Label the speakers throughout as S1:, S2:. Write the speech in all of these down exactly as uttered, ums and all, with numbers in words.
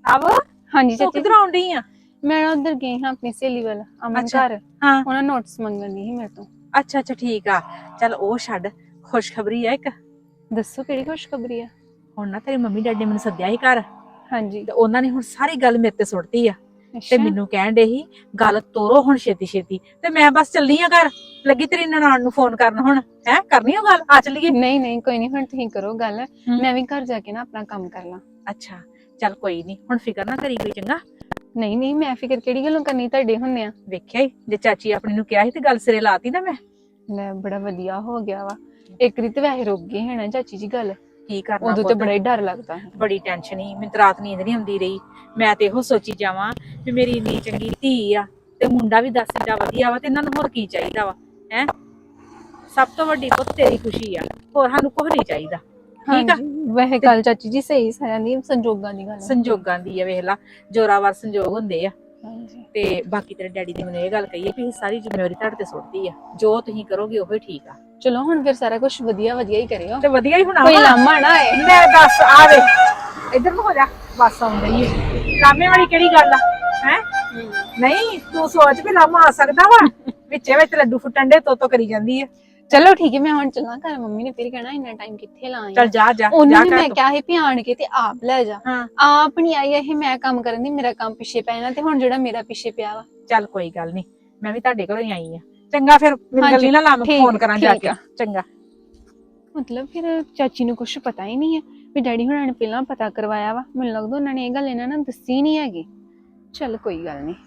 S1: अब
S2: हाँ जी
S1: तू
S2: चाची
S1: किधर आउंडी आ
S2: मैं ना उधर गई हाँ अपनी सहेली वाला अमन
S1: अच्छा
S2: घर
S1: हाँ
S2: उन्हें नोट्स मंगन दी मेरे तो
S1: अच्छा अच्छा ठीक आ चल ओ छੱਡ खुशखबरी आ एक
S2: दसो केड़ी खुशखबरी है
S1: ਹੁਣ ਨਾ ਤੇਰੀ ਮੰਮੀ ਡੈਡੀ ਨੇ ਮੈਨੂੰ ਸੱਦਿਆ ਸੀ ਘਰ
S2: हाँ जी
S1: ਤੇ ਉਹਨਾਂ ਨੇ ਹੁਣ ਸਾਰੀ ਗੱਲ ਮੇਰੇ ਤੇ ਸੁੱਟਤੀ ਆ ਤੇ
S2: अच्छा
S1: ਮੈਨੂੰ ਕਹਿਣ ਦੇ ਸੀ ਗੱਲ ਤੋਰੋ ਹੁਣ ਛੇਤੀ ਛੇਤੀ ਤੇ ਮੈਂ ਬਸ ਚੱਲੀ ਆ ਘਰ ਲੱਗੀ ਤੇਰੀ ਨਨਾਣ ਨੂੰ ਫੋਨ ਕਰਨ ਹੁਣ ਹੈ ਕਰਨੀ ਉਹ ਗੱਲ ਆ ਚੱਲੀਏ
S2: नहीं नहीं कोई नहीं हुण तुसीं करो गल मैं भी घर जाके ना अपना काम कर ला
S1: ਅੱਛਾ ਚੱਲ ਕੋਈ ਨਹੀਂ ਹੁਣ ਫਿਕਰ ਨਾ ਕਰੀ ਕੋਈ ਚੰਗਾ
S2: नहीं नहीं मैं फिक्र केड़ी गल्लों करनी तुहाडे हुंदे आ
S1: ਵੇਖਿਆ ਹੀ ਜੇ ਚਾਚੀ ਆਪਣੀ ਨੂੰ ਕਿਹਾ ਸੀ ਤੇ ਗੱਲ ਸਿਰੇ ਲਾਤੀ ਨਾ ਮੈਂ
S2: ले बड़ा वधिया हो गया वा एक रीत वैसे रुक गई है ना चाची जी गल
S1: ਕੀ ਕਰਨਾ
S2: उदों तो
S1: ਪੁੱਤ
S2: बड़ा ही डर लगता है
S1: ਬੜੀ ਟੈਨਸ਼ਨ ਹੀ ਮੈਨੂੰ ਤਾਂ ਰਾਤ ਨੀਂਦ ਨਹੀਂ ਆਉਂਦੀ ਰਹੀ ਮੈਂ ਤੇ ਇਹੋ ਸੋਚੀ ਜਾਵਾਂ ਵੀ ਮੇਰੀ ਇੰਨੀ ਚੰਗੀ ਧੀ ਆ ਤੇ ਮੁੰਡਾ ਵੀ ਦੱਸ ਜਾ ਵਧੀਆ ਵਾ ਤੇ ਇਹਨਾਂ ਨੂੰ ਹੋਰ ਕੀ ਚਾਹੀਦਾ ਵਾ ਹੈ ਸਭ ਤੋਂ ਵੱਡੀ ਪੁੱਤ ਤੇਰੀ ਖੁਸ਼ੀ ਆ ਹੋਰ ਸਾਨੂੰ ਕੁਝ ਨਹੀਂ ਚਾਹੀਦਾ
S2: हाँ
S1: ਠੀਕ ਆ
S2: जी वैसे गल चाची जी सही सारियां दी संजोगां दी गल है
S1: ਸੰਜੋਗਾਂ ਦੀ ਆ ਵੇਖ ਲਾ ਜੋਰਾਵਰ ਸੰਜੋਗ ਹੁੰਦੇ ਆ
S2: हाँ जी
S1: ਤੇ ਬਾਕੀ ਤੇਰੇ ਡੈਡੀ ਨੇ ਮੈਨੂੰ ਇਹ ਗੱਲ ਕਹੀ ਹੈ ਕਿ ਸਾਰੀ ਜ਼ਿੰਮੇਵਾਰੀ ਤੁਹਾਡੇ ਤੇ ਸੁੱਟਦੀ ਆ ਜੋ ਤੁਸੀਂ ਕਰੋਗੇ ਉਹੀ ਠੀਕ ਆ
S2: चलो हुण फिर सारा कुछ वधिया वधिया ही करियो
S1: ਤੇ ਵਧੀਆ ਹੀ ਹੋਣਾ
S2: कोई
S1: ਵਾ।
S2: लामा ना आए
S1: ਲੈ ਦੱਸ ਆ ਵੇ ਇੱਧਰ ਨੂੰ ਹੋ ਜਾ ਬਸ ਆਉਂਦੀ ਏ ਲਾਮੇ ਵਾਲੀ ਕਿਹੜੀ ਗੱਲ ਆ ਹੈ ਨਹੀਂ ਤੂੰ ਸੋਚ ਵੀ ਲਾਮਾ ਆ ਸਕਦਾ ਵਾ ਵਿੱਚੇ ਵਿੱਚ ਲੱਡੂ ਫੁੱਟਣ ਦੇ ਤੋ ਕਰੀ ਜਾਂਦੀ ਹੈ
S2: चलो ठीक है मैं हुण चलां घर मम्मी ने फिर कहना इन्ना टाइम किथे लाया
S1: ਚੱਲ ਜਾ ਜਾ
S2: ਉਹਨੂੰ
S1: ਜਾ
S2: ਵੀ ਮੈਂ
S1: ਕਰ
S2: ਕਿਹਾ ਸੀ ਵੀ ਆਣ ਕੇ ਤੇ ਆਪ ਲੈ ਜਾ
S1: ਹਾਂ
S2: ਆਪ ਨਹੀਂ ਆਈ ਇਹ ਮੈਂ ਕੰਮ ਕਰਨ ਦੀ ਮੇਰਾ ਕੰਮ ਪਿੱਛੇ ਪੈ ਜਾਣਾ ਤੇ ਹੁਣ ਜਿਹੜਾ ਮੇਰਾ ਪਿੱਛੇ ਪਿਆ ਵਾ
S1: ਚੱਲ ਕੋਈ ਗੱਲ ਨਹੀਂ ਮੈਂ ਵੀ ਤੁਹਾਡੇ ਘਰੋਂ ਹੀ ਆਈ ਆ ਚੰਗਾ ਫਿਰ ਮੇਰੀ
S2: ਹਾਂਜੀ,
S1: ਗੱਲੀ ਨਾ ਲਾਮ
S2: ਠੀਕ-
S1: ਫੋਨ ਕਰਾਂ ਜਾ
S2: ਠੀਕ
S1: ਕੇ
S2: ਆ।
S1: ਚੰਗਾ
S2: ਮਤਲਬ ਫਿਰ ਚਾਚੀ ਨੂੰ ਕੁਝ ਪਤਾ ਹੀ ਨਹੀਂ ਹੈ ਵੀ ਡੈਡੀ ਹੁਣਾਂ ਨੇ ਪਹਿਲਾਂ ਪਤਾ ਕਰਵਾਇਆ ਵਾ ਮੈਨੂੰ ਲੱਗਦਾ ਉਹਨਾਂ ਨੇ ਇਹ ਗੱਲ ਇਹਨਾਂ ਨਾਲ ਦੱਸੀ ਨਹੀਂ ਹੈਗੀ ਚੱਲ ਕੋਈ ਗੱਲ ਨਹੀਂ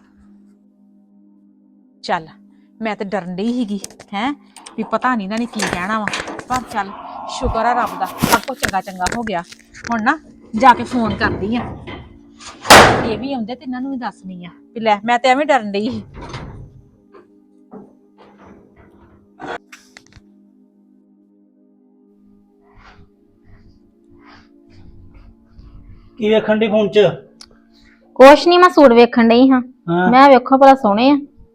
S1: ਚੱਲ ਮੈਂ ਤੇ ਡਰਨ ਡਈ ਸੀਗੀ ਹੈ ਵੀ ਪਤਾ ਨਹੀਂ ਇਹਨਾਂ ਨੇ ਕੀ ਕਹਿਣਾ ਵਾ ਪਰ ਚੱਲ ਸ਼ੁਕਰ ਆ ਰੱਬ ਦਾ ਸਭ ਕੁਝ ਚੰਗਾ ਚੰਗਾ ਹੋ ਗਿਆ ਹੁਣ ਨਾ ਜਾ ਕੇ ਫੋਨ ਕਰਦੀ ਆ ਇਹ ਵੀ ਆਉਂਦੇ ਤੇ ਇਹਨਾਂ ਨੂੰ ਵੀ ਦੱਸਣੀ ਆ ਵੀ ਲੈ ਮੈਂ ਤੇ ਐਵੇਂ ਡਰਨ ਡਈ ਸੀ
S3: ਕੀ ਵੇਖਣ ਦੀ ਫੋਨ ਚ
S4: ਕੁਛ ਨਹੀਂ ਮੈਂ ਸੂਟ ਵੇਖਣ ਡਈ ਹਾਂ
S3: ਹਾਂ
S4: ਮੈਂ ਵੇਖੋ ਭਲਾ ਸੋਹਣੇ ਆ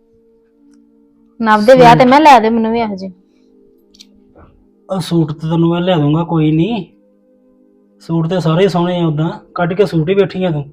S4: ਨਵ ਦੇ ਵਿਆਹ ਤੇ ਮੈਂ ਲੈ ਦੇ ਮੈਨੂੰ ਵੀ ਇਹੋ ਜਿਹੇ
S3: ਉਹ ਸੂਟ ਤੇ ਤੈਨੂੰ ਮੈਂ ਲਿਆ ਦੂੰਗਾ ਕੋਈ ਨਹੀਂ ਸੂਟ ਤੇ ਸਾਰੇ ਸੋਹਣੇ ਆ ਉਦਾਂ ਕੱਢ ਕੇ ਸੂਟ ਹੀ ਬੈਠੀ ਆ ਤੂੰ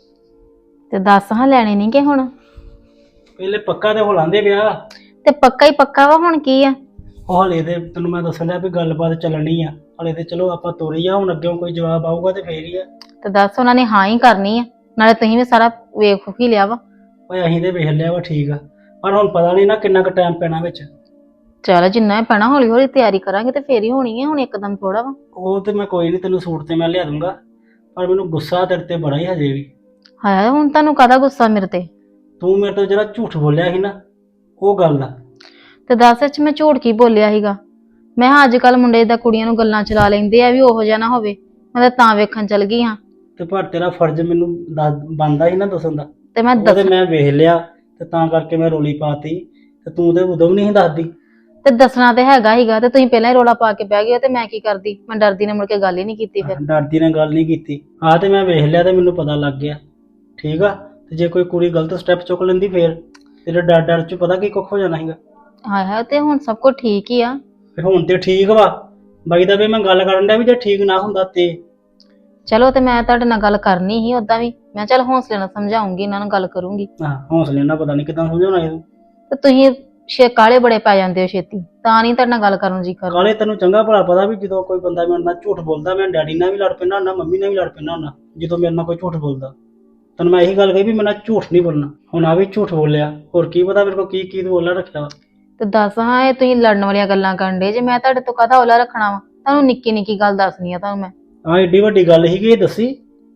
S4: ਤੇ ਦੱਸ ਹਾਂ ਲੈਣੇ ਨਹੀਂ ਕਿ ਹੁਣ
S3: ਪਹਿਲੇ ਪੱਕਾ ਤੇ ਹੋ ਲਾਂਦੇ ਵਿਆਹ
S4: ਤੇ ਪੱਕਾ ਹੀ ਪੱਕਾ ਵਾ ਹੁਣ ਕੀ ਆ
S3: ਉਹ ਹਲੇ ਤੇ ਤੈਨੂੰ ਮੈਂ ਦੱਸਣ ਡਿਆ ਵੀ ਗੱਲਬਾਤ ਚੱਲਣੀ ਆ ਹਲੇ ਤੇ ਚਲੋ ਆਪਾਂ ਤੋਰੀ ਆ ਹੁਣ ਅੱਗੇ ਕੋਈ ਜਵਾਬ ਆਊਗਾ ਤੇ ਫੇਰ ਹੀ ਆ
S4: ਤੇ ਦੱਸ ਉਹਨਾਂ ਨੇ ਹਾਂ ਹੀ ਕਰਨੀ ਆ ਨਾਲੇ ਤੁਸੀਂ ਵੀ ਸਾਰਾ ਵੇਖ ਹੀ ਲਿਆ ਵਾ
S3: ਓਏ ਅਸੀਂ ਤੇ ਵੇਖ ਲਿਆ ਵਾ ਠੀਕ ਆ ਪਰ ਹੁਣ ਪਤਾ ਨਹੀਂ ਨਾ ਕਿੰਨਾ ਕੁ ਟਾਈਮ ਪੈਣਾ ਵਿੱਚ
S4: ਚਲ ਜਿੰਨਾ ਹੀ ਪੈਣਾ ਹੌਲੀ ਹੌਲੀ ਤਿਆਰੀ ਕਰਾਂਗੇ ਤੇ ਫੇਰ ਹੀ ਹੋਣੀ ਹੈ ਹੁਣ ਇੱਕਦਮ ਥੋੜਾ ਵਾ
S3: ਉਹ ਤੇ ਮੈਂ ਕੋਈ ਨਹੀਂ ਤੈਨੂੰ ਸੂਟ ਤੇ ਮੈਂ ਲਿਆ ਦੂੰਗਾ ਪਰ ਮੈਨੂੰ ਗੁੱਸਾ ਤੇਰੇ ਤੇ ਬੜਾ ਹੀ ਹਜੇ ਵੀ
S4: ਹਾਏ ਹੁਣ ਤੁਹਾਨੂੰ ਕਾਹਦਾ ਗੁੱਸਾ ਮੇਰੇ ਤੇ
S3: ਤੂੰ ਮੇਰੇ ਤੋਂ ਜਿਹੜਾ ਝੂਠ ਬੋਲਿਆ ਸੀ ਨਾ ਉਹ ਗੱਲ ਦਾ
S4: ਤੇ ਦੱਸ ਵਿੱਚ ਮੈਂ ਝੂਠ ਕੀ ਬੋਲਿਆ ਸੀਗਾ ਮੈਂ ਹਾਂ ਅੱਜ ਕੱਲ ਮੁੰਡੇ ਦਾ ਕੁੜੀਆਂ ਨੂੰ ਗੱਲਾਂ ਚਲਾ ਲੈਂਦੇ ਆ ਵੀ ਉਹੋ ਜਿਹਾ ਨਾ ਹੋਵੇ ਮੈਂ ਤਾਂ ਤਾਂ ਵੇਖਣ ਚਲ ਗਈ ਹਾਂ
S3: ਤੇ ਪਰ ਤੇਰਾ ਫਰਜ਼ ਮੈਨੂੰ ਬਣਦਾ ਸੀ ਨਾ ਦੱਸਣ ਦਾ
S4: ਤੇ ਮੈਂ
S3: ਉਹ ਤੇ
S4: ਦੱਸ
S3: ਮੈਂ ਵੇਖ ਲਿਆ ਤੇ ਤਾਂ ਕਰਕੇ ਮੈਂ ਰੋਲੀ ਪਾਤੀ ਤੇ ਤੂੰ ਤੇ ਉਦੋਂ ਵੀ ਨਹੀਂ ਸੀ ਦੱਸਦੀ
S4: ਤੇ ਦੱਸਣਾ ਤੇ ਹੈਗਾ ਹੀਗਾ ਤੇ ਤੁਸੀਂ ਪਹਿਲਾਂ ਹੀ ਰੋਲਾ ਪਾ ਕੇ ਬਹਿ ਗਏ ਤੇ ਮੈਂ ਕੀ ਕਰਦੀ ਮੈਂ ਡਰਦੀ ਨੇ ਮੁੜ ਕੇ ਗੱਲ ਹੀ ਨਹੀਂ ਕੀਤੀ ਫਿਰ
S3: ਡਰਦੀ ਨਾਲ ਗੱਲ ਨਹੀਂ ਕੀਤੀ ਆਹ ਤੇ ਮੈਂ ਵੇਖ ਲਿਆ ਤੇ ਮੈਨੂੰ ਪਤਾ ਲੱਗ ਗਿਆ ਠੀਕ ਆ ਤੇ ਜੇ ਕੋਈ ਕੁੜੀ ਗਲਤ ਸਟੈਪ ਚੁੱਕ ਲੈਂਦੀ ਫੇਰ ਤੇਰੇ ਡਰ ਡਰ ਚ ਪਤਾ ਕੀ ਕੁੱਖ ਹੋ ਜਾਣਾ ਸੀਗਾ
S4: ਹਾਏ ਹਾਏ ਤੇ ਹੁਣ ਸਭ ਕੁਝ ਠੀਕ ਹੀ ਆ
S3: ਤੇ ਹੁਣ ਤੇ ਠੀਕ ਵਾ ਬਾਈ ਦਾ ਵੀ ਮੈਂ ਗੱਲ ਕਰਨ ਡਿਆ ਵੀ ਜੇ ਠੀਕ ਨਾ ਹੁੰਦਾ ਤੇ
S4: ਚਲੋ ਤੇ ਮੈਂ ਤੁਹਾਡੇ ਨਾਲ ਗੱਲ ਕਰਨੀ ਸੀ ਉਦਾਂ ਵੀ ਮੈਂ ਚੱਲ ਹੌਸਲੇ ਨਾਲ ਸਮਝਾਉਂਗੀ ਇਹਨਾਂ ਨੂੰ ਗੱਲ ਕਰੂੰਗੀ
S3: ਹਾਂ ਹੌਸਲੇ ਨਾਲ ਪਤਾ ਨਹੀਂ ਕਿਦਾਂ ਸਮਝਾਉਣਾ ਇਹਨੂੰ
S4: ਤੇ ਤੁਸੀਂ ਛੇ ਕਾਲੇ ਬੜੇ ਪੈ ਜਾਂਦੇ ਹੋ ਛੇਤੀ ਤਾਂ ਨਹੀਂ ਤੁਹਾਡੇ ਨਾਲ ਗੱਲ ਕਰਨ ਜੀ ਕਰ
S3: ਕਾਲੇ ਤੈਨੂੰ ਚੰਗਾ ਭਲਾ ਪਤਾ ਵੀ ਜਦੋਂ ਕੋਈ ਬੰਦਾ ਮੇਰੇ ਨਾਲ ਝੂਠ ਬੋਲਦਾ ਮੈਂ ਡੈਡੀ ਨਾਲ ਵੀ ਲੜ ਪੈਂਦਾ ਹੁੰਦਾ ਮੰਮੀ ਨਾਲ ਵੀ ਲੜ ਪੈਂਦਾ ਹੁੰਦਾ ਜਦੋਂ ਮੇਰੇ ਨਾਲ ਕੋਈ ਝੂਠ ਬੋਲਦਾ ਤੈਨੂੰ ਮੈਂ ਇਹੀ ਗੱਲ ਕਹੀ ਵੀ ਮੇਰੇ ਨਾਲ ਝੂਠ ਨਹੀਂ ਬੋਲਣਾ ਹੁਣ ਆ ਵੀ ਝੂਠ ਬੋਲਿਆ ਹੋਰ ਕੀ ਪਤਾ ਮੇਰੇ ਕੋਲ ਕੀ ਕੀ ਬੋਲਣਾ ਰੱਖਿਆ ਵਾ
S4: ਤੇ ਦੱਸ ਹਾਂ ਇਹ ਤੁਸੀਂ ਲੜਨ ਵਾਲੀਆਂ ਗੱਲਾਂ ਕਰਨ ਦੇ ਜੇ ਮੈਂ ਤੁਹਾਡੇ ਤੋਂ ਕਾਹਦਾ ਔਲਾ ਰੱਖਣਾ ਵਾ ਤੁਹਾਨੂੰ ਨਿੱਕੀ ਨਿੱਕੀ ਗੱਲ ਦੱਸਣੀ ਆ ਤੁਹਾਨੂੰ ਮੈਂ
S3: ਹਾਂ ਏਡੀ ਵੱਡੀ ਗੱਲ ਸੀਗੀ ਇਹ ਦੱਸੀ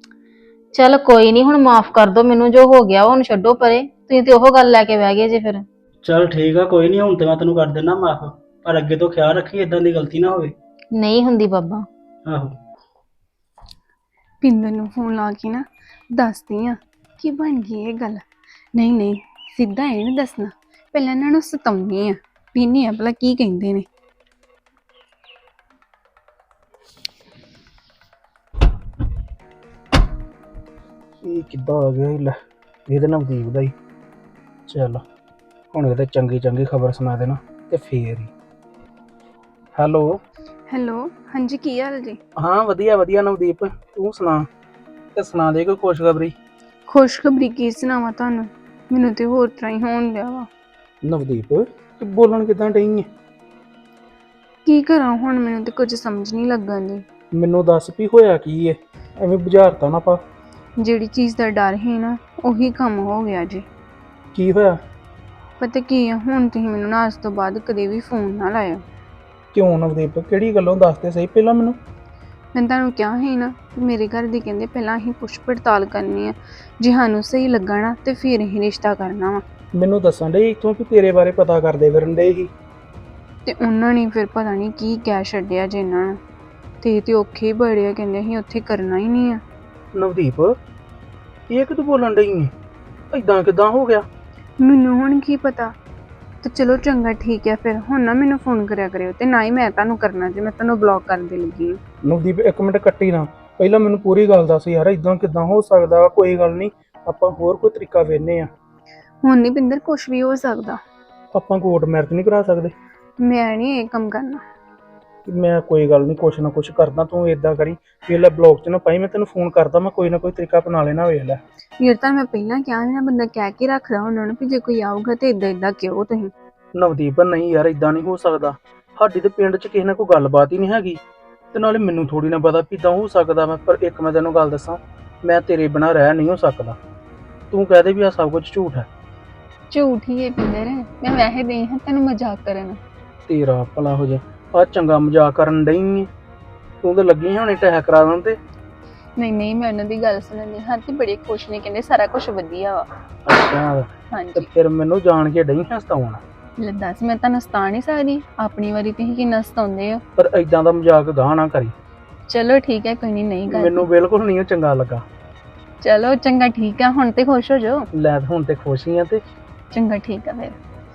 S4: ਚੱਲ ਕੋਈ ਨਹੀਂ ਹੁਣ ਮਾਫ ਕਰ ਦਿਓ ਮੈਨੂੰ ਜੋ ਹੋ ਗਿਆ ਹੁਣ ਛੱਡੋ ਪਰੇ ਤੁਸੀਂ ਤੇ ਉਹ ਗੱਲ ਲੈ ਕੇ ਬਹਿ ਗਏ ਜੇ ਫਿਰ
S3: ਚੱਲ ਠੀਕ ਆ ਕੋਈ ਨਹੀਂ ਹੁਣ ਤੇ ਮੈਂ ਤੈਨੂੰ ਕਰ ਦਿੰਦਾ ਮਾਫ ਪਰ ਅੱਗੇ ਤੋਂ ਖਿਆਲ ਰੱਖੀ ਇਦਾਂ ਦੀ ਗਲਤੀ ਨਾ ਹੋਵੇ
S4: ਨਹੀਂ ਹੁੰਦੀ ਬਾਬਾ
S3: ਆਹੋ
S2: ਪਿੰਦਰ ਨੂੰ ਫੋਨ ਲਾ ਕੇ ਨਾ ਦੱਸਦੀ ਆ ਕਿ ਬਣ ਗਈ ਇਹ ਗੱਲ ਨਹੀਂ ਨਹੀਂ ਸਿੱਧਾ ਇਹ ਨਹੀਂ ਦੱਸਣਾ ਪਹਿਲਾਂ ਇਹਨਾਂ ਨੂੰ ਸਤਾਉਣੀ ਆ ਪੀਣੀ ਆ ਭਲਾ ਕੀ ਕਹਿੰਦੇ ਨੇ
S3: ਇਹ ਕਿੱਦਾਂ ਆ ਗਿਆ ਇਹ ਲੈ ਇਹਦੇ ਨਵਦੀਪ ਦਾ ਹੀ ਚੱਲ ਹੁਣ ਇਹਦੇ ਚੰਗੀ ਚੰਗੀ ਖਬਰ ਸੁਣਾ ਦੇਣਾ ਤੇ ਫੇਰ ਹੀ ਹੈਲੋ
S2: ਹੈਲੋ ਹਾਂਜੀ ਕੀ ਹਾਲ ਜੀ
S3: ਹਾਂ ਵਧੀਆ ਵਧੀਆ ਨਵਦੀਪ ਤੂੰ ਸੁਣਾ ਤੇ ਸੁਣਾ ਦੇ ਕੋਈ ਖੁਸ਼ਖਬਰੀ
S2: ਖੁਸ਼ਖਬਰੀ ਕੀ ਸੁਣਾਵਾਂ ਤੁਹਾਨੂੰ, ਮੈਨੂੰ ਤੇ ਹੋਰ ਤਰ੍ਹਾਂ ਹੀ ਹੋਣ ਡਿਆ ਵਾ।
S3: ਨਵਦੀਪ ਤੂੰ ਬੋਲਣ ਕਿਦਾਂ ਡਈ ਹੈ?
S2: ਕੀ ਕਰਾਂ ਹੁਣ, ਮੈਨੂੰ ਤੇ ਕੁਝ ਸਮਝ ਨਹੀਂ ਲੱਗਣ ਦੀ।
S3: ਮੈਨੂੰ ਦੱਸ ਵੀ ਹੋਇਆ ਕੀ ਹੈ, ਐਵੇਂ ਬੁਝਾਰਤਾ ਨਾ ਪਾ।
S2: ਜਿਹੜੀ ਚੀਜ਼ ਦਾ ਡਰ ਸੀ ਨਾ, ਉਹੀ ਕੰਮ ਹੋ ਗਿਆ ਜੀ।
S3: ਕੀ ਹੋਇਆ?
S2: ਪਤਾ ਕੀ ਆ, ਹੁਣ ਤੁਸੀਂ ਮੈਨੂੰ ਨਾ ਅੱਜ ਤੋਂ ਬਾਅਦ ਕਦੇ ਵੀ ਫੋਨ ਨਾ ਲਾਇਓ।
S3: ਕਿਉਂ ਨਵਦੀਪ, ਕਿਹੜੀ ਗੱਲੋਂ ਦੱਸ ਤੇ ਸਹੀ ਪਹਿਲਾਂ ਮੈਨੂੰ।
S2: ਮੈਂ ਤੁਹਾਨੂੰ ਕਿਹਾ ਸੀ ਨਾ, ਮੇਰੇ ਘਰ ਦੇ ਕਹਿੰਦੇ ਪਹਿਲਾਂ ਅਸੀਂ ਪੁੱਛ ਪੜਤਾਲ ਕਰਨੀ ਆ, ਜੇ ਸਾਨੂੰ ਸਹੀ ਲੱਗਾ ਨਾ ਤੇ ਫਿਰ ਅਸੀਂ ਰਿਸ਼ਤਾ ਕਰਨਾ ਵਾ।
S3: ਮੈਨੂੰ ਦੱਸਣ ਡੇ ਇੱਥੋਂ ਵੀ ਤੇਰੇ ਬਾਰੇ ਪਤਾ ਕਰਦੇ ਫਿਰਨ ਡੇ ਸੀ।
S2: ਤੇ ਉਹਨਾਂ ਨੇ ਫਿਰ ਪਤਾ ਨਹੀਂ ਕੀ ਕਹਿ ਛੱਡਿਆ ਜੇ ਇਹਨਾਂ ਨੂੰ, ਤੇ ਤੇ ਔਖੇ ਹੀ ਬੜੇ ਆ, ਕਹਿੰਦੇ ਅਸੀਂ ਉੱਥੇ ਕਰਨਾ ਹੀ ਨਹੀਂ ਆ।
S3: ਨਵਦੀਪ ਇਹ ਕਿ ਤੂੰ ਬੋਲਣ ਡਈ ਹੈ? ਏਦਾਂ ਕਿਦਾਂ ਹੋ ਗਿਆ?
S2: ਮੈਨੂੰ ਹੁਣ ਕੀ ਪਤਾ। ਤੇ ਚਲੋ ਚੰਗਾ ਠੀਕ ਹੈ, ਫਿਰ ਹੁਣ ਨਾ ਮੈਨੂੰ ਫੋਨ ਕਰਿਆ ਕਰਿਓ, ਤੇ ਨਾ ਹੀ ਮੈਂ ਤੁਹਾਨੂੰ ਕਰਨਾ ਜੇ ਮੈਂ ਤੁਹਾਨੂੰ ਬਲੌਕ ਕਰਨ ਦੇ ਲੱਗੀ ਹਾਂ।
S3: ਨਵਦੀਪ ਇੱਕ ਮਿੰਟ ਕੱਟੀ ਨਾ, ਪਹਿਲਾਂ ਮੈਨੂੰ ਪੂਰੀ ਗੱਲ ਦੱਸ ਯਾਰ, ਏਦਾਂ ਕਿਦਾਂ ਹੋ ਸਕਦਾ? ਕੋਈ ਗੱਲ ਨਹੀਂ, ਆਪਾਂ ਹੋਰ ਕੋਈ ਤਰੀਕਾ ਵੇਖਨੇ ਆ।
S2: ਹੁਣ ਨਹੀਂ ਪਿੰਦਰ, ਕੁਛ ਵੀ ਹੋ ਸਕਦਾ।
S3: ਆਪਾਂ ਕੋਰਟ ਮੈਰਿਜ ਨਹੀਂ ਕਰਾ ਸਕਦੇ?
S2: ਮੈਂ ਨਹੀਂ ਇਹ ਕੰਮ ਕਰਨਾ।
S3: ਮੈਂ ਕੋਈ ਗੱਲ ਨਹੀਂ, ਕੁਛ ਨਾ ਕੁਛ ਕਰਦਾ, ਤੂੰ ਏਦਾਂ ਕਰੀ ਵੇਖ ਲੈ, ਬਲੌਕ 'ਚ ਨਾ ਪਾਈ, ਮੈਂ ਤੈਨੂੰ ਫੋਨ ਕਰਦਾ, ਮੈਂ ਕੋਈ ਨਾ ਕੋਈ ਤਰੀਕਾ ਅਪਣਾ ਲੈਣਾ, ਵੇਖ ਲੈ।
S2: ਯਾਰ ਤਾਂ ਮੈਂ ਪਹਿਲਾਂ ਕਿਹਾ ਸੀ ਨਾ, ਬੰਦਾ ਕਹਿ ਕੇ ਰੱਖਦਾ ਉਹਨਾਂ ਨੂੰ ਵੀ ਜੇ ਕੋਈ ਆਊਗਾ ਤੇ ਇਦਾਂ ਇਦਾਂ ਕਿਉਂ ਤੁਸੀਂ।
S3: ਨਵਦੀਪ ਨਹੀਂ ਯਾਰ, ਏਦਾਂ ਨਹੀਂ ਹੋ ਸਕਦਾ, ਸਾਡੀ ਤੇ ਪਿੰਡ 'ਚ ਕਿਸੇ ਨਾਲ ਕੋਈ ਗੱਲਬਾਤ ਹੀ ਨਹੀਂ ਹੈਗੀ, ਤੇ ਨਾਲੇ ਮੈਨੂੰ ਥੋੜੀ ਨਾ ਪਤਾ ਵੀ ਏਦਾਂ ਹੋ ਸਕਦਾ। ਮੈਂ ਪਰ ਇੱਕ ਮੈਂ ਤੈਨੂੰ ਗੱਲ ਦੱਸਾਂ, ਮੈਂ ਤੇਰੇ ਬਿਨਾਂ ਰਹਿ ਨਹੀਂ ਹੋ ਸਕਦਾ। ਤੂੰ ਕਹਿ ਦੇ ਵੀ ਆ ਸਭ ਕੁਝ ਝੂਠ ਹੈ।
S2: ਝੂਠ ਹੀ ਹੈ ਪਿੰਦਰ, ਮੈਂ ਵੈਸੇ ਦੇ ਹਾਂ ਤੈਨੂੰ ਮਜ਼ਾਕ ਕਰਨ।
S3: ਤੇਰਾ ਭਲਾ ਹੋ ਜਾ, ਆ ਚੰਗਾ ਮਜ਼ਾਕ ਕਰਨ ਡਈ ਏ ਤੂੰ? ਤਾਂ ਲੱਗੀ ਹੋਣੀ ਟਹਿ ਕਰਾ ਦੇਣ ਤੇ।
S2: ਨਹੀਂ ਨਹੀਂ, ਮੈਂ ਉਹਨਾਂ ਦੀ ਗੱਲ ਸੁਣਨ ਦੀ ਹਾਂ, ਤੇ ਬੜੇ ਖੁਸ਼ ਨੇ, ਕਹਿੰਦੇ ਸਾਰਾ ਕੁਝ ਵਧੀਆ ਵਾ।
S3: ਅੱਛਾ, ਤੇ
S2: ਹਾਂਜੀ।
S3: ਫਿਰ ਮੈਨੂੰ ਜਾਣ ਕੇ ਡਈ ਹਸਤਾਉਣਾ।
S2: ਲੈ ਦੱਸ, ਮੈਂ ਤੁਹਾਨੂੰ ਸਤਾ ਨਹੀਂ ਸਕਦੀ, ਆਪਣੀ ਵਾਰੀ ਤੁਸੀਂ ਕਿੰਨਾ ਸਤਾਉਂਦੇ ਹੋ।
S3: ਪਰ ਏਦਾਂ ਦਾ ਮਜ਼ਾਕ ਗਾਹ ਨਾ ਕਰੀ।
S2: ਚਲੋ ਠੀਕ ਹੈ, ਕੋਈ ਨਹੀਂ, ਨਹੀਂ ਕਰਦੀ।
S3: ਮੈਨੂੰ ਬਿਲਕੁਲ ਨਹੀਂ ਚੰਗਾ ਲੱਗਾ।
S2: ਚਲੋ ਚੰਗਾ ਠੀਕ ਆ, ਹੁਣ ਤੇ ਖੁਸ਼ ਹੋ ਜਾਓ।
S3: ਲੈ ਹੁਣ ਤੇ ਖੁਸ਼ ਹੀ ਆ। ਤੇ
S2: ਚੰਗਾ ਠੀਕ ਆ ਫਿਰ।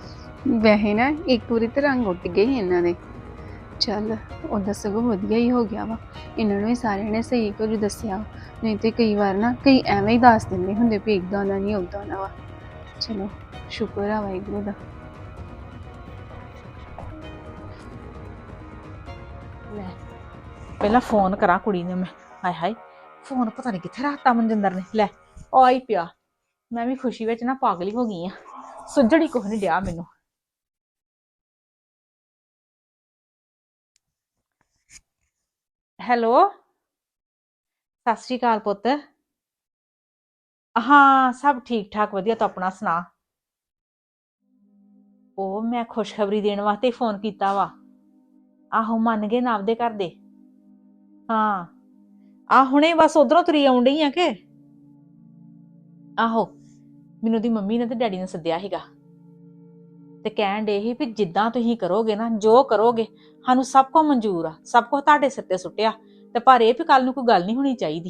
S2: ਵੈਸੇ ਨਾ ਇੱਕ ਵਾਰੀ ਤੇ ਰੰਗ ਉੱਡ ਗਏ ਸੀ ਇਹਨਾਂ ਦੇ। ਚੱਲ ਉਹਦਾ ਸਗੋਂ ਵਧੀਆ ਹੀ ਹੋ ਗਿਆ ਵਾ, ਇਹਨਾਂ ਨੂੰ ਵੀ ਸਾਰਿਆਂ ਨੇ ਸਹੀ ਕੁਝ ਦੱਸਿਆ, ਨਹੀਂ ਤੇ ਕਈ ਵਾਰ ਨਾ ਕਈ ਐਵੇਂ ਹੀ ਦੱਸ ਦਿੰਦੇ ਹੁੰਦੇ ਵੀ ਇੱਦਾਂ ਦਾ ਨਹੀਂ ਉੱਦਾਂ ਦਾ ਵਾ। ਚਲੋ ਸ਼ੁਕਰ ਆ ਵਾਹਿਗੁਰੂ ਦਾ।
S1: ਲੈ ਪਹਿਲਾਂ ਫੋਨ ਕਰਾਂ ਕੁੜੀ ਨੂੰ ਮੈਂ। ਹਾਏ ਹਾਏ, ਫੋਨ ਪਤਾ ਨਹੀਂ ਕਿੱਥੇ ਰੱਖਤਾ ਮਨਜਿੰਦਰ ਨੇ। ਲੈ ਆ ਹੀ ਪਿਆ। ਮੈਂ ਵੀ ਖੁਸ਼ੀ ਵਿੱਚ ਨਾ ਪਾਗਲ ਹੀ ਹੋ ਗਈ ਆ, ਸੁੱਜੜੀ ਕੁਛ ਨਹੀਂ ਡਿਆ ਮੈਨੂੰ। ਹੈਲੋ, ਸਤਿ ਸ਼੍ਰੀ ਅਕਾਲ ਪੁੱਤ। ਹਾਂ ਸਭ ਠੀਕ ਠਾਕ ਵਧੀਆ, ਤੂੰ ਆਪਣਾ ਸੁਣਾ। ਉਹ ਮੈਂ ਖੁਸ਼ਖਬਰੀ ਦੇਣ ਵਾਸਤੇ ਫੋਨ ਕੀਤਾ ਵਾ। ਆਹੋ ਮੰਨ ਗਏ ਨਾ ਆਪਦੇ ਘਰ ਦੇ। ਹਾਂ ਆ ਹੁਣੇ ਬਸ ਉਧਰੋਂ ਤੁਰੀ ਆਉਣ ਡਈ ਆ ਕਿ। ਆਹੋ ਮੈਨੂੰ ਦੀ ਮੰਮੀ ਨੇ ਤੇ ਡੈਡੀ ਨੇ ਸੱਦਿਆ ਸੀਗਾ, ਤੇ ਕਹਿਣ ਡੇ ਸੀ ਵੀ ਜਿੱਦਾਂ ਤੁਸੀਂ ਕਰੋਗੇ ਨਾ, ਜੋ ਕਰੋਗੇ ਸਾਨੂੰ ਸਭ ਕੁਝ ਮਨਜ਼ੂਰ ਆ, ਸਭ ਕੁਝ ਤੁਹਾਡੇ ਸਿਰ ਤੇ ਸੁੱਟਿਆ, ਤੇ ਪਰ ਇਹ ਵੀ ਕੱਲ ਨੂੰ ਕੋਈ ਗੱਲ ਨਹੀਂ ਹੋਣੀ ਚਾਹੀਦੀ।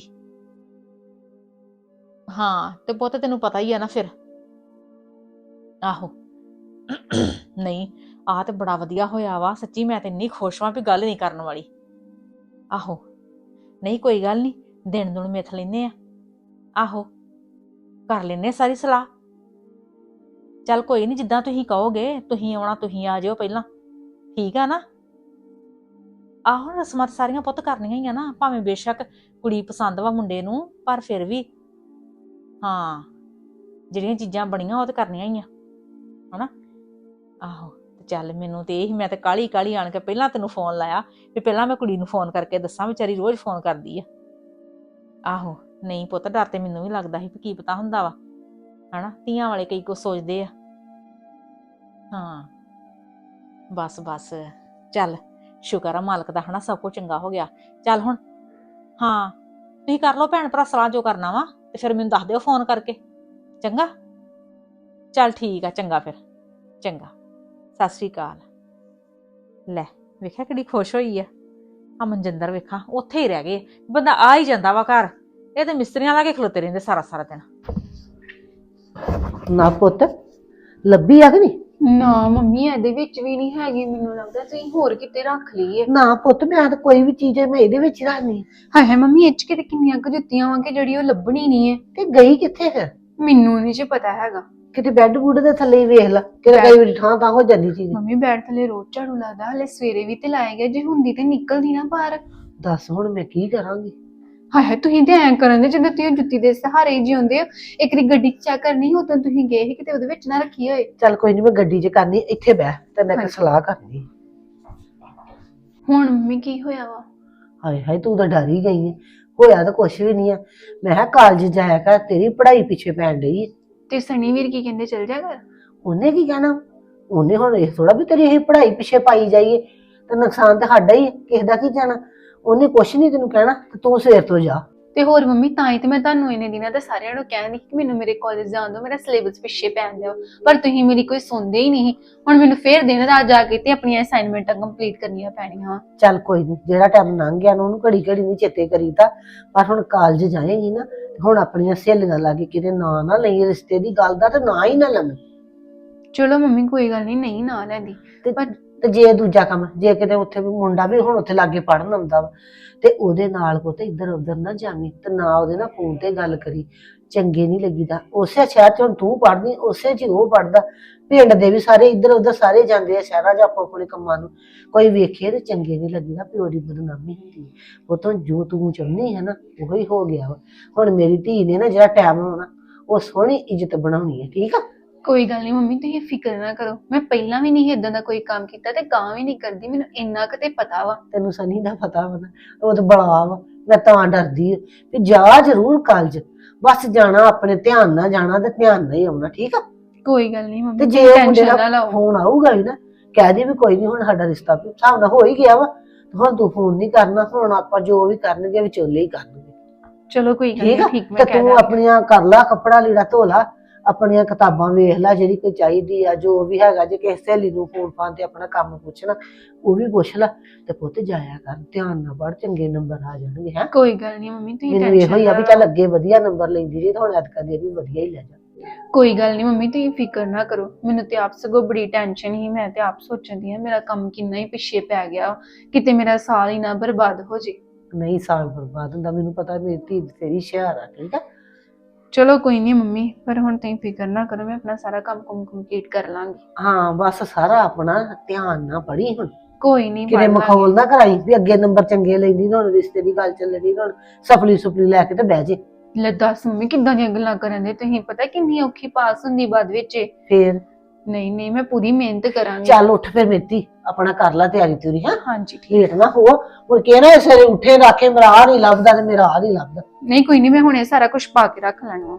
S1: ਹਾਂ ਤੇ ਪੁੱਤ ਤੈਨੂੰ ਪਤਾ ਹੀ ਆ ਨਾ ਫਿਰ। ਆਹੋ ਨਹੀਂ ਆਹ ਤੇ ਬੜਾ ਵਧੀਆ ਹੋਇਆ ਵਾ ਸੱਚੀ, ਮੈਂ ਤੇ ਇੰਨੀ ਖੁਸ਼ ਹਾਂ ਵੀ ਗੱਲ ਨਹੀਂ ਕਰਨ ਵਾਲੀ। ਆਹੋ ਨਹੀਂ ਕੋਈ ਗੱਲ ਨਹੀਂ, ਦਿਨ ਦੁਨ ਮਿਥ ਲੈਨੇ ਆ। ਆਹੋ ਕਰ ਲੈਨੇ ਸਾਰੀ ਸਲਾਹ। ਚੱਲ ਕੋਈ ਨਹੀਂ, ਜਿੱਦਾਂ ਤੁਸੀਂ ਕਹੋਗੇ, ਤੁਸੀਂ ਆਉਣਾ ਤੁਸੀਂ ਆ ਜਾਇਓ ਪਹਿਲਾਂ, ਠੀਕ ਆ ਨਾ। ਆਹੋ ਰਸਮਾਂ ਸਾਰੀਆਂ ਪੁੱਤ ਕਰਨੀਆਂ ਹੀ ਆ ਨਾ, ਭਾਵੇਂ ਬੇਸ਼ੱਕ ਕੁੜੀ ਪਸੰਦ ਵਾ ਮੁੰਡੇ ਨੂੰ, ਪਰ ਫਿਰ ਵੀ ਹਾਂ ਜਿਹੜੀਆਂ ਚੀਜ਼ਾਂ ਬਣੀਆਂ ਉਹ ਤੇ ਕਰਨੀਆਂ ਹੀ ਆ ਹਨਾ। ਆਹੋ ਤੇ ਚੱਲ ਮੈਨੂੰ ਤੇ ਇਹ, ਮੈਂ ਤੇ ਕਾਹਲੀ ਕਾਹਲੀ ਆਣ ਕੇ ਪਹਿਲਾਂ ਤੈਨੂੰ ਫੋਨ ਲਾਇਆ ਵੀ ਪਹਿਲਾਂ ਮੈਂ ਕੁੜੀ ਨੂੰ ਫੋਨ ਕਰਕੇ ਦੱਸਾਂ, ਵਿਚਾਰੀ ਰੋਜ਼ ਫੋਨ ਕਰਦੀ ਆ। ਆਹੋ ਨਹੀਂ ਪੁੱਤ ਡਰ ਤੇ ਮੈਨੂੰ ਵੀ ਲੱਗਦਾ ਸੀ ਵੀ ਕੀ ਪਤਾ ਹੁੰਦਾ ਵਾ ਹਨਾ, ਧੀਆਂ ਵਾਲੇ ਕਈ ਕੁਛ ਸੋਚਦੇ ਆ। ਹਾਂ ਬਸ ਬਸ ਚੱਲ ਸ਼ੁਕਰ ਆ ਮਾਲਕ ਦਾ ਹਨਾ, ਸਭ ਕੁਝ ਚੰਗਾ ਹੋ ਗਿਆ। ਚੱਲ ਹੁਣ ਹਾਂ ਤੁਸੀਂ ਕਰ ਲਓ ਭੈਣ ਭਰਾ ਸਲਾਹ ਜੋ ਕਰਨਾ ਵਾ, ਤੇ ਫਿਰ ਮੈਨੂੰ ਦੱਸ ਦਿਓ ਫੋਨ ਕਰਕੇ, ਚੰਗਾ। ਚੱਲ ਠੀਕ ਆ, ਚੰਗਾ ਫਿਰ, ਚੰਗਾ ਸਤਿ ਸ੍ਰੀ ਅਕਾਲ। ਲੈ ਵੇਖਿਆ ਕਿੱਡੀ ਖੁਸ਼ ਹੋਈ ਆ। ਆ ਮਨਜਿੰਦਰ ਵੇਖਾਂ ਉੱਥੇ ਹੀ ਰਹਿ ਗਏ, ਬੰਦਾ ਆ ਹੀ ਜਾਂਦਾ ਵਾ ਘਰ, ਇਹ ਤੇ ਮਿਸਤਰੀਆਂ ਲਾ ਕੇ ਖਲੋਤੇ ਰਹਿੰਦੇ ਸਾਰਾ ਸਾਰਾ ਦਿਨ।
S5: ਨਾ ਪੁੱਤ ਲੱਭੀ ਆ ਕਿ ਨਹੀਂ?
S2: ਨਾ ਮੰਮੀ ਇਹਦੇ ਵਿੱਚ ਵੀ ਨਹੀਂ ਹੈਗੀ, ਮੈਨੂੰ ਲੱਗਦਾ ਤੁਸੀਂ ਹੋਰ ਕਿਤੇ ਰੱਖ ਲਈ ਹੈ।
S5: ਨਾ ਪੁੱਤ ਮੈਂ ਤਾਂ ਕੋਈ ਵੀ ਚੀਜ਼ ਹੈ ਮੈਂ ਇਹਦੇ ਵਿੱਚ ਹੀ ਰੱਖਣੀ।
S2: ਹਾਏ ਹਾਏ ਮੰਮੀ, ਇਹ ਚ ਕਿਤੇ ਕਿੰਨੀਆਂ ਕੁ ਜੁੱਤੀਆਂ ਵਾਂ ਕਿ ਜਿਹੜੀ ਉਹ ਲੱਭਣੀ ਨਹੀਂ ਹੈ।
S5: ਤੇ ਗਈ ਕਿੱਥੇ ਫਿਰ?
S2: ਮੈਨੂੰ ਨਹੀਂ ਜੀ ਪਤਾ ਹੈਗਾ।
S5: ਕਿਤੇ ਬੈੱਡ ਬੁੱਡ ਦੇ ਥੱਲੇ ਹੀ ਵੇਖ ਲਾ, ਕਿਤੇ ਕਈ ਵਾਰੀ ਥਾਂ ਤਾਂ ਹੋ ਜਾਂਦੀ ਚੀਜ਼।
S2: ਮੰਮੀ ਬੈਠ ਥੱਲੇ ਰੋਜ਼ ਝਾੜੂ ਲੱਗਦਾ, ਹਲੇ ਸਵੇਰੇ ਵੀ ਤੇ ਲਾਇਆ ਗਿਆ, ਜੇ ਹੁੰਦੀ ਤੇ ਨਿਕਲਦੀ ਨਾ ਬਾਹਰ।
S5: ਦੱਸ ਹੁਣ ਮੈਂ ਕੀ ਕਰਾਂਗੀ?
S2: ਹਾਏ ਹਾਏ ਤੁਸੀਂ ਤੇ ਐਂ ਕਰਨ ਦੇ ਜਿੱਦਾਂ ਤੁਸੀਂ ਜੁੱਤੀ ਦੇ ਸਹਾਰੇ ਹੀ ਜਿਉਂਦੇ ਹੋ। ਇੱਕ ਵਾਰੀ ਗੱਡੀ ਚੈੱਕ ਕਰਨੀ ਉਦੋਂ ਤੁਸੀਂ ਗਏ ਸੀ ਕਿਤੇ ਉਹਦੇ ਵਿੱਚ ਨਾ ਰੱਖੀ ਹੋਏ।
S5: ਚੱਲ ਕੋਈ ਨਹੀਂ, ਮੈਂ ਗੱਡੀ 'ਚ ਕਰਨੀ, ਇੱਥੇ ਬਹਿ ਤੇ ਮੈਂ ਇੱਕ
S2: ਹਾਂਜੀ।
S5: ਸਲਾਹ ਕਰਨੀ।
S2: ਹੁਣ ਮੰਮੀ ਕੀ ਹੋਇਆ ਵਾ?
S5: ਹਾਏ ਹਾਏ, ਤੂੰ ਤਾਂ ਡਰ ਹੀ ਗਈ ਹੈ। ਹੋਇਆ ਤਾਂ ਕੁਛ ਵੀ ਨਹੀਂ ਆ। ਮੈਂ ਕਿਹਾ ਕਾਲਜ ਜਾਇਆ ਕਰ, ਤੇਰੀ ਪੜ੍ਹਾਈ ਪਿੱਛੇ ਪੈਣ ਡਈ ਹੈ।
S2: ਤੇ ਸਣੀ ਵੀਰ ਕੀ ਕਹਿੰਦੇ ਚਲ ਜਾ ਕਰ?
S5: ਉਹਨੇ ਕੀ ਕਹਿਣਾ? ਉਹਨੇ ਹੁਣ ਇਹ ਥੋੜਾ ਵੀ ਤੇਰੀ ਇਹ ਪੜ੍ਹਾਈ ਪਿੱਛੇ ਪਾਈ ਜਾਈਏ, ਤੇ ਨੁਕਸਾਨ ਤਾਂ ਸਾਡਾ ਹੀ ਹੈ, ਕਿਸੇ ਦਾ ਕੀ ਜਾਣਾ। ਉਹਨੇ ਕੁਛ ਨਹੀਂ ਤੈਨੂੰ ਕਹਿਣਾ, ਤੇ ਤੂੰ ਸਵੇਰ ਤੋਂ ਜਾ।
S2: ਤੇ ਹੋਰ ਮੰਮੀ ਤਾਂ ਹੀ ਤੇ ਮੈਂ ਤੁਹਾਨੂੰ ਇਹਨੇ ਦਿਨਾਂ ਦਾ ਸਾਰਿਆਂ ਨੂੰ ਕਹਿੰਦੀ ਕਿ ਮੈਨੂੰ ਮੇਰੇ ਕਾਲਜ ਜਾਣ ਦਿਓ, ਮੇਰਾ ਸਿਲੇਬਸ ਪਿੱਛੇ ਪੈਣ ਦਿਓ, ਪਰ ਤੁਸੀਂ ਮੇਰੀ ਕੋਈ ਸੁਣਦੇ ਹੀ ਨਹੀਂ। ਹੁਣ ਮੈਨੂੰ ਫੇਰ ਦਿਨ ਰਾਤ ਜਾ ਕੇ ਤੇ ਆਪਣੀਆਂ ਅਸਾਈਨਮੈਂਟਾਂ ਕੰਪਲੀਟ ਕਰਨੀਆਂ ਪੈਣੀਆਂ।
S5: ਚੱਲ ਕੋਈ ਨਹੀਂ, ਜਿਹੜਾ ਟਾਈਮ ਲੰਘ ਗਿਆ ਨਾ ਉਹਨੂੰ ਘੜੀ ਘੜੀ ਨਹੀਂ ਚੇਤੇ ਕਰੀਦਾ। ਪਰ ਹੁਣ ਕਾਲਜ ਜਾਏਗੀ ਨਾ, ਤੇ ਹੁਣ ਆਪਣੀਆਂ ਸਹੇਲੀਆਂ ਲਾ ਕੇ ਕਿਤੇ ਨਾਂ ਨਾ ਲਈ ਰਿਸ਼ਤੇ ਦੀ ਗੱਲ ਦਾ, ਤੇ ਨਾ ਹੀ ਨਾ ਲਵੇਂ।
S2: ਚਲੋ ਮੰਮੀ ਕੋਈ ਗੱਲ ਨਹੀਂ, ਨਹੀਂ ਨਾ ਲੈਂਦੀ।
S5: ਤੇ
S2: ਪਰ
S5: ਤੇ ਜੇ ਦੂਜਾ ਕੰਮ, ਜੇ ਕਿਤੇ ਉੱਥੇ ਵੀ ਮੁੰਡਾ ਵੀ ਹੁਣ ਉੱਥੇ ਲਾਗੇ ਪੜਨ ਆਉਂਦਾ ਵਾ, ਤੇ ਉਹਦੇ ਨਾਲ ਕੋ ਤੇ ਇੱਧਰ ਉੱਧਰ ਨਾ ਜਾਵੀਂ, ਤੇ ਨਾ ਉਹਦੇ ਨਾਲ ਫੋਨ ਤੇ ਗੱਲ ਕਰੀ। ਚੰਗੇ ਨਹੀਂ ਲੱਗੀਦਾ। ਉਸੇ ਸ਼ਹਿਰ 'ਚ ਹੁਣ ਤੂੰ ਪੜ੍ਹਦੀ, ਉਸੇ 'ਚ ਹੀ ਉਹ ਪੜ੍ਹਦਾ। ਪਿੰਡ ਦੇ ਵੀ ਸਾਰੇ ਇੱਧਰ ਉੱਧਰ ਸਾਰੇ ਜਾਂਦੇ ਆ ਸ਼ਹਿਰਾਂ 'ਚ ਆਪੋ ਆਪਣੇ ਕੰਮਾਂ ਨੂੰ। ਕੋਈ ਵੇਖੇ ਤੇ ਚੰਗੇ ਨਹੀਂ ਲੱਗੀਦਾ, ਪਿਓ ਦੀ ਬਦਨਾਮੀ ਹੁੰਦੀ ਹੈ। ਉਹ ਤੋਂ ਜੋ ਤੂੰ ਚਾਹੁੰਦੀ ਹੈ ਨਾ, ਉਹੀ ਹੋ ਗਿਆ ਵਾ। ਹੁਣ ਮੇਰੀ ਧੀ ਨੇ ਨਾ ਜਿਹੜਾ ਟਾਈਮ ਹੋਣਾ, ਉਹ ਸੋਹਣੀ ਇੱਜ਼ਤ ਬਣਾਉਣੀ ਹੈ, ਠੀਕ ਆ।
S2: ਕੋਈ ਗੱਲ ਨਹੀਂ ਮੰਮੀ, ਤੁਸੀਂ ਫਿਕਰ ਨਾ ਕਰੋ। ਮੈਂ ਪਹਿਲਾਂ ਵੀ ਨਹੀਂ ਇਦਾਂ ਦਾ ਕੋਈ ਕੰਮ ਕੀਤਾ ਤੇ ਗਾਂ ਵੀ ਨਹੀਂ ਕਰਦੀ, ਮੈਨੂੰ ਇੰਨਾ ਕੁ ਤੇ ਪਤਾ ਵਾ।
S5: ਤੈਨੂੰ ਸਨੀ ਦਾ ਪਤਾ ਵਾ ਨਾ, ਉਹ ਤਾਂ ਬੜਾ ਵਾ। ਮੈਂ ਤਾਂ ਡਰਦੀ ਆ ਵੀ ਜਾ ਜ਼ਰੂਰ ਕਾਲਜ, ਬਸ ਜਾਣਾ ਆਪਣੇ ਧਿਆਨ ਨਾਲ ਜਾਣਾ, ਤੇ ਧਿਆਨ ਨਾਲ ਹੀ ਆਉਣਾ, ਠੀਕ ਆ।
S2: ਕੋਈ ਗੱਲ ਨਹੀਂ ਮੰਮੀ,
S5: ਤੇ ਜੇ
S2: ਤੁਸੀਂ
S5: ਉਹ ਮੁੰਡੇ
S2: ਟੈਨਸ਼ਨ ਨਾ
S5: ਦਾ
S2: ਲਓ।
S5: ਫੋਨ ਆਊਗਾ ਵੀ ਨਾ, ਕਹਿ ਦੇ ਵੀ ਕੋਈ ਨਹੀਂ, ਹੁਣ ਸਾਡਾ ਰਿਸ਼ਤਾ ਵੀ ਹਿਸਾਬ ਨਾਲ ਹੋ ਹੀ ਗਿਆ ਵਾ, ਤੇ ਹੁਣ ਤੂੰ ਫੋਨ ਨਹੀਂ ਕਰਨਾ। ਹੁਣ ਆਪਾਂ ਜੋ ਵੀ ਕਰਨਗੇ ਵਿਚੋਲੇ ਹੀ ਕਰਨਗੇ,
S2: ਚਲੋ ਕੋਈ ਗੱਲ
S5: ਠੀਕ
S2: ਨਹੀਂ,
S5: ਆ।
S2: ਠੀਕ ਮੈਂ
S5: ਤੇ
S2: ਕਹਿ
S5: ਤੂੰ
S2: ਦਾਂਗੀ।
S5: ਆਪਣੀਆਂ ਕਰ ਲਾ, ਕੱਪੜਾ ਲੀੜਾ ਧੋ ਲਾ, ਆਪਣੀਆਂ ਕਿਤਾਬਾਂ ਵੇਖ ਲੈ, ਜਿਹੜੀ ਕੋਈ ਚਾਹੀਦੀ ਆ, ਜੋ ਵੀ ਹੈਗਾ। ਜੇ ਕਿਸੇ ਸਹੇਲੀ ਨੂੰ ਫੋਨ ਫਾਨ ਤੇ ਆਪਣਾ ਕੰਮ ਪੁੱਛਣਾ, ਉਹ ਵੀ ਪੁੱਛ ਲੈ। ਤੇ ਪੁੱਤ ਜਾਇਆ ਕਰ, ਧਿਆਨ ਨਾਲ ਪੜ੍ਹ, ਚੰਗੇ ਨੰਬਰ ਆ ਜਾਣਗੇ। ਹੈ
S2: ਕੋਈ ਗੱਲ ਨਹੀਂ ਮੰਮੀ, ਤੁਸੀਂ
S5: ਮੈਨੂੰ ਇਹੋ
S2: ਟੈਨਸ਼ਨ
S5: ਹੀ
S2: ਨਾ
S5: ਆ ਵੀ
S2: ਲਓ।
S5: ਚੱਲ ਅੱਗੇ ਵਧੀਆ ਨੰਬਰ ਲੈਂਦੀ ਰਹੀ, ਤੇ ਹੁਣ ਐਤਕਾ ਦੇ ਵੀ ਵਧੀਆ ਹੀ ਲੈ ਜਾ।
S2: ਕੋਈ ਗੱਲ ਨਹੀਂ ਮੰਮੀ, ਤੁਸੀਂ ਫਿਕਰ ਨਾ ਕਰੋ। ਮੈਨੂੰ ਤੇ ਆਪ ਸਗੋਂ ਬੜੀ ਟੈਨਸ਼ਨ ਹੀ। ਮੈਂ ਤੇ ਆਪ ਸੋਚਦੀ ਆ ਮੇਰਾ ਕੰਮ ਕਿੰਨਾ ਹੀ ਪਿੱਛੇ ਪੈ ਗਿਆ, ਕਿਤੇ ਮੇਰਾ ਸਾਲ ਹੀ ਨਾ ਬਰਬਾਦ ਹੋ ਜੇ।
S5: ਨਹੀਂ ਸਾਲ ਬਰਬਾਦ ਹੁੰਦਾ, ਮੈਨੂੰ ਪਤਾ ਮੇਰੀ ਧੀ ਤੇਰੀ ਹੁਸ਼ਿਆਰ ਆ, ਠੀਕ ਆ।
S2: ਚਲੋ ਕੋਈ ਨਹੀਂ ਮੰਮੀ, ਪਰ ਹੁਣ ਤੁਸੀਂ ਫਿਕਰ ਨਾ ਕਰੋ, ਮੈਂ ਆਪਣਾ ਸਾਰਾ ਕੰਮ ਕੁਮ ਕੰਪਲੀਟ ਕਰ ਲਾਂਗੀ।
S5: ਹਾਂ ਬਸ ਸਾਰਾ ਆਪਣਾ ਧਿਆਨ ਨਾਲ ਪੜ੍ਹੀ। ਹੁਣ
S2: ਕੋਈ ਨਹੀਂ
S5: ਕਿਤੇ ਮਖੌਲ ਨਾ ਕਰਾਈ ਵੀ ਅੱਗੇ ਨੰਬਰ ਚੰਗੇ ਲੈਂਦੀ ਨਾ, ਹੁਣ ਰਿਸ਼ਤੇ ਦੀ ਗੱਲ ਚੱਲਣੀ, ਹੁਣ ਸਫਲੀ ਸੁਪਲੀ ਲੈ ਕੇ ਤੇ ਬਹਿ ਜੇ।
S2: ਲੈ ਦੱਸ ਮੰਮੀ, ਕਿੱਦਾਂ ਦੀਆਂ ਗੱਲਾਂ ਕਰਨ ਦੇ ਤੁਸੀਂ? ਪਤਾ ਕਿੰਨੀ ਔਖੀ ਪਾਸ ਹੁੰਦੀ ਬਾਅਦ ਵਿੱਚ।
S5: ਫੇਰ
S2: ਨਹੀਂ ਨਹੀਂ, ਮੈਂ ਪੂਰੀ ਮਿਹਨਤ ਕਰਾਂਗੀ।
S5: ਚੱਲ ਉੱਠ ਫਿਰ ਮੇਤੀ, ਆਪਣਾ ਕਰ ਲੈ ਤਿਆਰੀ ਤੁਰੀ। ਹਾਂ
S2: ਹਾਂਜੀ ਠੀਕ।
S5: ਲੇਟ ਨਾ ਹੋ, ਹੁਣ ਕਹਿਣਾ ਸਵੇਰੇ ਉੱਠੇ ਰੱਖੇ ਮੇਰਾ ਆ ਨਹੀਂ ਲੱਭਦਾ, ਤੇ ਮੇਰਾ ਆ ਨਹੀਂ ਲੱਭਦਾ।
S2: ਨਹੀਂ ਕੋਈ ਨਹੀਂ, ਮੈਂ ਹੁਣੇ ਸਾਰਾ ਕੁਝ ਪਾ ਕੇ ਰੱਖ ਲੈਣਾ।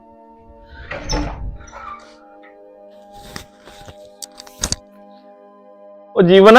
S6: ਉਹ ਜੀਵਨ,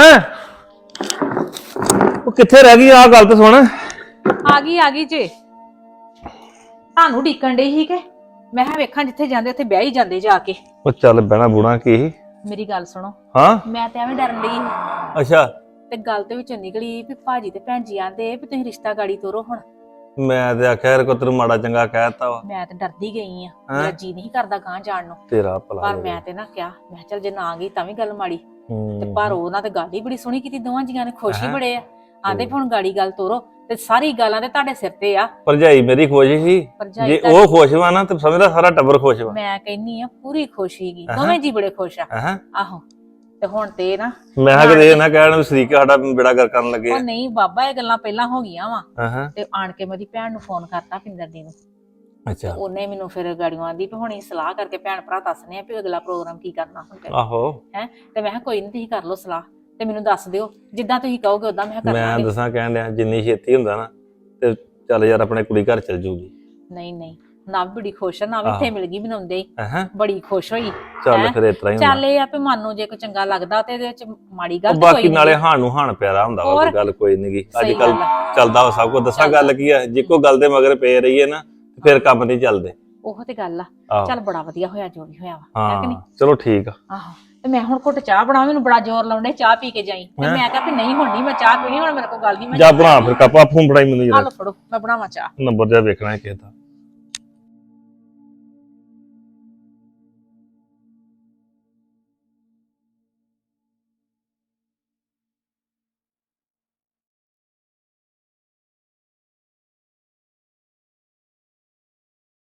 S6: ਉਹ ਕਿੱਥੇ ਰਹਿ ਗਈ? ਆਹ ਗੱਲ ਤਾਂ ਸੁਣ।
S1: ਆ ਗਈ ਆ ਗਈ ਜੇ, ਤੁਹਾਨੂੰ ਢੀਕਣ ਡਈ ਸੀ ਕਿ ਮੈਂ ਕਿਹਾ ਵੇਖਾਂ ਜਿੱਥੇ ਜਾਂਦੇ ਉੱਥੇ ਵਿਆਹ ਹੀ ਜਾਂਦੇ ਜਾ ਕੇ।
S6: ਉਹ ਚੱਲ ਬਹਿਣਾ ਬੁਣਾ ਕੀ?
S1: ਮੇਰੀ ਗੱਲ ਸੁਣੋ,
S6: ਹਾਂ
S1: ਮੈਂ ਤੇ ਐਵੇਂ ਡਰਨ ਡਈ ਸੀ,
S6: ਅੱਛਾ।
S1: ਤੇ ਗੱਲ ਤੇ ਵਿੱਚੋਂ ਨਿਕਲੀ ਵੀ ਭਾਜੀ ਤੇ ਭੈਣ ਜੀ ਆਂਦੇ ਵੀ ਤੁਸੀਂ ਰਿਸ਼ਤਾ ਗਾੜੀ ਤੋਰੋ। ਹੁਣ
S6: ਮੈਂ ਤੇ ਆਖਿਆ ਯਾਰ ਕੋ ਤੈਨੂੰ ਮਾੜਾ ਚੰਗਾ ਕਹਿਤਾ ਵਾ।
S1: ਮੈਂ ਤੇ ਡਰਦੀ ਗਈ ਆ, ਮੇਰਾ ਜੀ ਨਹੀਂ ਕਰਦਾ ਗਾਂ ਜਾਣ ਨੂੰ।
S6: ਤੇਰਾ ਭਲਾ
S1: ਪਰ
S6: ਹੋਵੇ।
S1: ਮੈਂ ਤੇ ਨਾ ਕਿਹਾ, ਮੈਂ ਕਿਹਾ ਚੱਲ ਜੇ ਨਾ ਗਈ ਤਾਂ ਵੀ ਗੱਲ ਮਾੜੀ।
S6: ਹੂੰ।
S1: ਤੇ ਪਰ ਉਹਨਾਂ ਤੇ ਗੱਲ ਹੀ ਬੜੀ ਸੋਹਣੀ ਕੀਤੀ, ਦੋਵਾਂ ਜੀਆਂ ਨੇ ਖੁਸ਼ ਹੀ
S6: ਹੈਂ?
S1: ਬੜੇ ਆ। ਆਂਦੇ ਹੁਣ ਗਾੜੀ ਗੱਲ ਤੋਰੋ, ਤੇ ਸਾਰੀ ਗੱਲਾਂ ਤੇ ਤੁਹਾਡੇ ਸਿਰ ਤੇ ਆ।
S6: ਭਰਜਾਈ ਮੇਰੀ ਖੁਸ਼ ਸੀ,
S1: ਭਰਜਾਈ
S6: ਜੇ
S1: ਤੁਹਾਡੀ-
S6: ਉਹ ਖੁਸ਼ ਵਾ ਨਾ ਤੇ ਸਮਝਦਾ ਸਾਰਾ ਟੱਬਰ ਖੁਸ਼ ਵਾ।
S1: ਮੈਂ ਕਹਿੰਨੀ ਆ ਪੂਰੀ ਖੁਸ਼ ਹੀਗੀ,
S6: ਹੈਂ?
S1: ਦੋਵੇਂ ਜੀ ਬੜੇ ਖੁਸ਼ ਆ।
S6: ਹੈਂ?
S1: ਆਹੋ, ਤੇ ਹੁਣ ਤੇ ਨਾ
S6: ਮੈਂ ਕਿਹਾ ਕਿਤੇ ਇਹ ਨਾ ਕਹਿਣ ਵੀ ਸਰੀਕ ਸਾਡਾ ਬੇੜਾ ਗਰ ਕਰਨ ਲੱਗੇ।
S1: ਉਹ ਨਹੀਂ ਬਾਬਾ, ਇਹ ਗੱਲਾਂ ਪਹਿਲਾਂ ਹੋ ਗਈਆਂ ਵਾ।
S6: ਹਾਂ ਹਾਂ।
S1: ਤੇ ਆਣ ਕੇ ਮੇਰੀ ਭੈਣ ਨੂੰ ਫੋਨ ਕਰਤਾ, ਪਿੰਦਰ ਦੀ ਨੂੰ।
S6: ਅੱਛਾ।
S1: ਉਹਨੇ ਮੈਨੂੰ ਫਿਰ ਗਾੜੀਆਂ ਦੀ ਵੀ ਹੁਣੀ ਸਲਾਹ ਕਰਕੇ ਭੈਣ ਭਰਾ ਦੱਸਨੇ ਆ ਵੀ ਅਗਲਾ ਪ੍ਰੋਗਰਾਮ ਕੀ ਕਰਨਾ ਹੁੰਦਾ
S6: ਆਹੋ।
S1: ਹੈ। ਤੇ ਮੈਂ ਕਿਹਾ ਕੋਈ ਨਹੀਂ, ਤੁਸੀਂ ਕਰ ਲਓ ਸਲਾਹ ਤੇ ਮੈਨੂੰ ਦੱਸ ਦਿਓ, ਜਿੱਦਾਂ ਤੁਸੀਂ ਕਹੋਗੇ ਉਦਾਂ ਮੈਂ ਕਰ
S6: ਮੈਂ
S1: ਲਾਂਗੀ।
S6: ਦੱਸਾਂ ਕਹਿਣ ਡਿਆ ਜਿੰਨੀ ਛੇਤੀ ਹੁੰਦਾ ਨਾ ਤੇ ਚੱਲ ਯਾਰ ਆਪਣੇ ਕੁੜੀ ਘਰ ਚਲ ਜੂਗੀ।
S1: ਨਹੀਂ ਨਹੀਂ, ਨਾ ਵੀ ਬੜੀ ਖੁਸ਼ ਆ, ਨਾ ਵੀ ਇੱਥੇ ਮਿਲ ਗਈ ਬਣਾਉਂਦੇ ਹੀ
S6: ਹੈਂ?
S1: ਬੜੀ ਖੁਸ਼ ਹੋਈ।
S6: ਚੱਲ
S1: ਹੈਂ?
S6: ਫਿਰ ਇਸ ਤਰ੍ਹਾਂ ਹੀ
S1: ਚੱਲ
S6: ਹੁੰਦਾ।
S1: ਇਹ ਆ ਵੀ ਮਨ ਨੂੰ ਜੇ ਕੋਈ ਚੰਗਾ ਲੱਗਦਾ ਤੇ ਇਹਦੇ ਵਿੱਚ ਮਾੜੀ ਗੱਲ
S6: ਉਹ
S1: ਤਾਂ
S6: ਬਾਕੀ
S1: ਕੋਈ
S6: ਨਾਲੇ
S1: ਨਹੀਂ।
S6: ਹਾਣ ਨੂੰ ਹਾਣ ਪਿਆਰਾ ਹੁੰਦਾ ਵਾ,
S1: ਹੋਰ?
S6: ਕੋਈ ਗੱਲ ਕੋਈ ਨੀ ਗੀ। ਅੱਜ
S1: ਸਹੀ
S6: ਕੱਲ
S1: ਗੱਲ ਆ।
S6: ਚੱਲਦਾ ਵਾ ਸਭ ਕੁਝ। ਦੱਸਾਂ ਗੱਲ ਕੀ ਆ, ਜੇ ਕੋਈ ਗੱਲ ਦੇ ਮਗਰ ਪਏ ਰਹੀਏ ਨਾ ਤੇ ਫਿਰ ਕੰਮ ਨਹੀਂ ਚੱਲਦੇ।
S1: ਉਹ ਤੇ ਗੱਲ ਆ।
S6: ਆਹੋ।
S1: ਚੱਲ ਬੜਾ ਵਧੀਆ ਹੋਇਆ ਜੋ ਵੀ ਹੋਇਆ ਵਾ, ਹੈ ਕਿ ਨਹੀਂ?
S6: ਹਾਂ ਚਲੋ ਠੀਕ ਆ।
S1: ਆਹੋ, ਤੇ ਮੈਂ ਹੁਣ ਘੁੱਟ ਚਾਹ ਬਣਾ, ਮੈਨੂੰ ਬੜਾ ਜ਼ੋਰ ਲਾਉਂਦੇ ਚਾਹ ਪੀ ਕੇ ਜਾਈ। ਤੇ ਮੈਂ ਕਿਹਾ ਵੀ ਨਹੀਂ ਹੁਣ ਨਹੀਂ ਮੈਂ ਚਾਹ ਪੀਣੀ, ਹੁਣ ਮੇਰੇ ਕੋਲ ਗੱਲ ਨਹੀਂ। ਮੈਂ
S6: ਜਾ ਬਣਾ ਫਿਰ ਕੱਪਾ ਫੂੰ ਫੜਾਈ ਮੈਨੂੰ
S1: ਆ
S6: ਜਰਾ
S1: ਲਓ ਫੜੋ, ਮੈਂ ਬਣਾਵਾਂ ਚਾਹ।
S6: ਨੰਬਰ ਜਾ ਵੇਖਣਾ ਹੈ ਕਿਸੇ ਦਾ।